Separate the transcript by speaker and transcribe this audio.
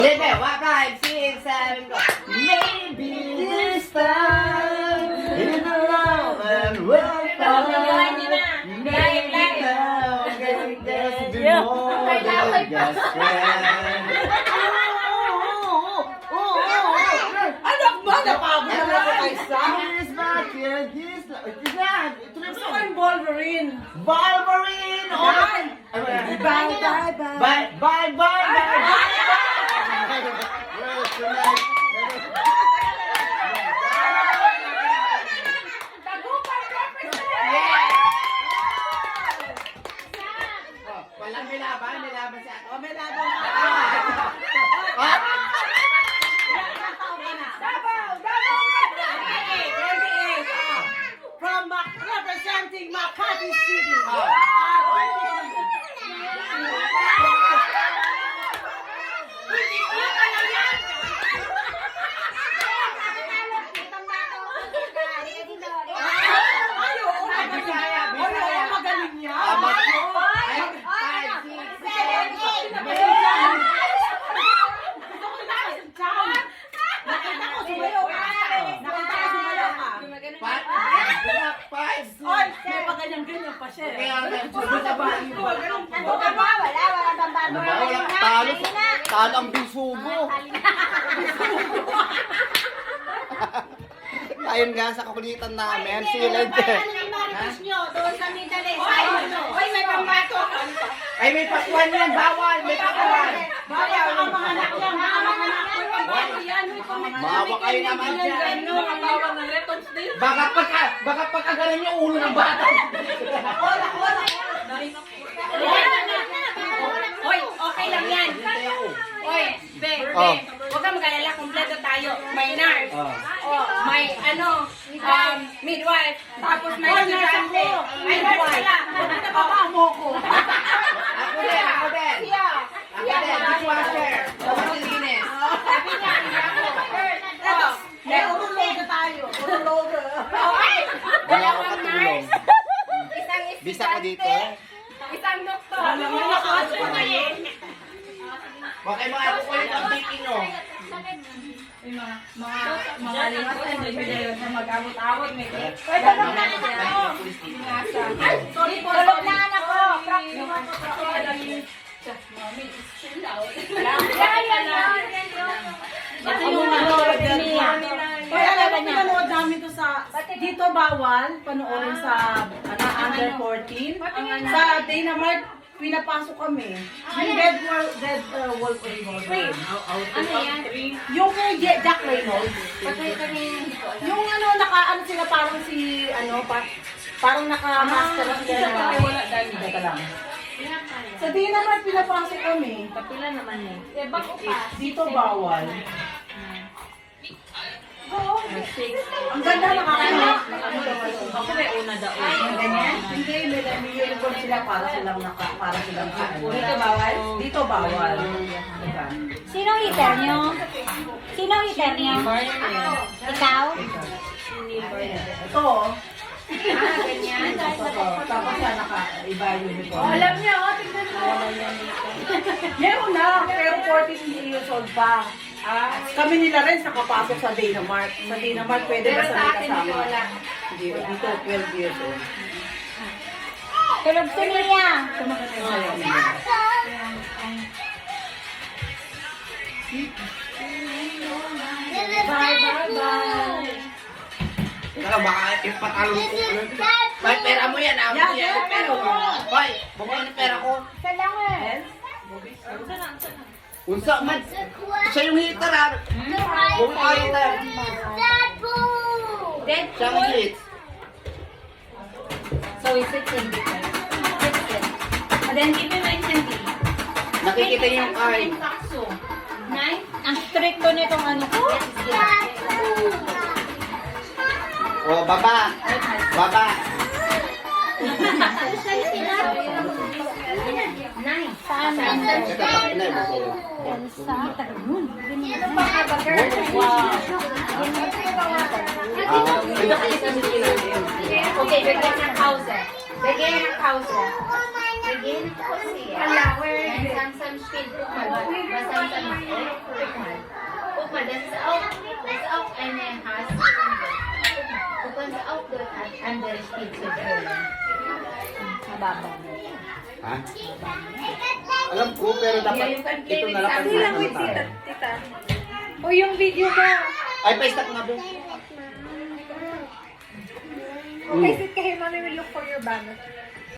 Speaker 1: Maybe 1, 5, 6, 7, go. Maybe this time in the love and we'll fall. Maybe now there's be more than just friends.
Speaker 2: Anak ba? Napagod na ako kay Sam.
Speaker 1: He's back here. He's not.
Speaker 2: Gusto ko yung Wolverine.
Speaker 1: Wolverine.
Speaker 2: Bye.
Speaker 1: Bye. Bye. Bye. Bye. Walang may laban si Ato.
Speaker 2: O, may laban ka. From representing Makati City. Magaling niya. Oy, may paganyan-ganyan pa siya.
Speaker 1: Talo ang bisugo. Ayun nga sa kakulitan namin, si Lente. Ay, may pakuan yan, bawal, may pakuan. Mawa kayo naman dyan. Baka pagkagalan yung ulo ng bata.
Speaker 3: Hoy, okay lang yan. Hoy, be, huwag kang mag-alala, kompleto tayo. May nurse, may midwife, tapos may estudyante. May nurse pala.
Speaker 2: Napapamo ko.
Speaker 1: Ako din. Dishwasher. Kapatilinis.
Speaker 3: Sabi niya, hindi ako.
Speaker 2: Eto, may urologa tayo. Urologa.
Speaker 1: Wala ako
Speaker 3: Dalawang
Speaker 1: katulong.
Speaker 3: nurse, isang
Speaker 1: Bisa ka dito.
Speaker 3: estudyante, isang doktor.
Speaker 1: Baka yung mga kukulit ang baking nyo.
Speaker 3: Mga limas na hindi na mag-abot-abot. May sorry po. Tulog na anak ko.
Speaker 2: Ito yung nanonood niya. Kaya alam mo, pinanood namin to sa, dito bawal, panoorin sa under 14. Sa Dynamite, pinapasok kami. Yung Dead Wolf Revolver.
Speaker 3: Ano yan?
Speaker 2: Yung kay Jack Reynolds. Yung naka-ano sila parang si, parang naka-master sila na. Teka lang. Sa Dynamite, pinapasok kami.
Speaker 3: Kapila naman eh. Bako pa.
Speaker 2: Dito bawal. Ang ganda nakakaiyak.
Speaker 3: Ako may una daw.
Speaker 2: Ganyan? Hindi, may uniform sila para silang
Speaker 3: Dito bawal?
Speaker 2: Dito bawal.
Speaker 4: Sino heater nyo? Sino heater nyo? Ikaw?
Speaker 2: Ito.
Speaker 3: Ganyan.
Speaker 2: Tapos siya naka-iba yung uniform.
Speaker 3: Alam niyo, tignan mo.
Speaker 2: Meron na, pero 14 years old pa. Kami nila rin nakapasok sa Dynamart. Sa Dynamart pwede ba
Speaker 3: Pero
Speaker 2: sa
Speaker 3: sa
Speaker 2: may
Speaker 3: akin,
Speaker 2: kasama?
Speaker 3: hindi wala.
Speaker 2: Hindi, dito 12 years old.
Speaker 4: Tulog si Mia.
Speaker 1: Tara, baka ipatalo ko. May pera mo yan, amo
Speaker 2: Yan,
Speaker 1: yan.
Speaker 2: yan,
Speaker 1: Pera mo. Hoy, bukod ng pera ko.
Speaker 4: Isa lang eh.
Speaker 1: Unsa man. Siya yung hitter, ha? Kung mga hitter.
Speaker 3: Dead
Speaker 1: Siya ang hit.
Speaker 3: So it's 16 different. 16. And then give me my candy.
Speaker 1: Nakikita niyo yung card.
Speaker 3: Sakso. 9?
Speaker 4: Ang stricto nitong ano ko.
Speaker 1: O, baba. Baba.
Speaker 3: 9.
Speaker 4: Saan?
Speaker 1: Ito, tapos na yung
Speaker 4: Elsa. Tagalun.
Speaker 3: Okay, bigyan ng kausa. Bigyan ng kausa. Begin ko siya. And Samsam spiel, guck mal, was Samsam macht. Guck mal. Guck mal, das ist auch eine Hase. Du kannst auch dort andere Spielzeug holen.
Speaker 4: Mababaw.
Speaker 1: Ha? Alam ko, pero dapat ito na lang.
Speaker 3: Hindi lang
Speaker 1: with tita.
Speaker 4: O yung video ba?
Speaker 1: Ay, pa-stop nga ba?
Speaker 4: Okay, sit kayo, mommy will look for your banner.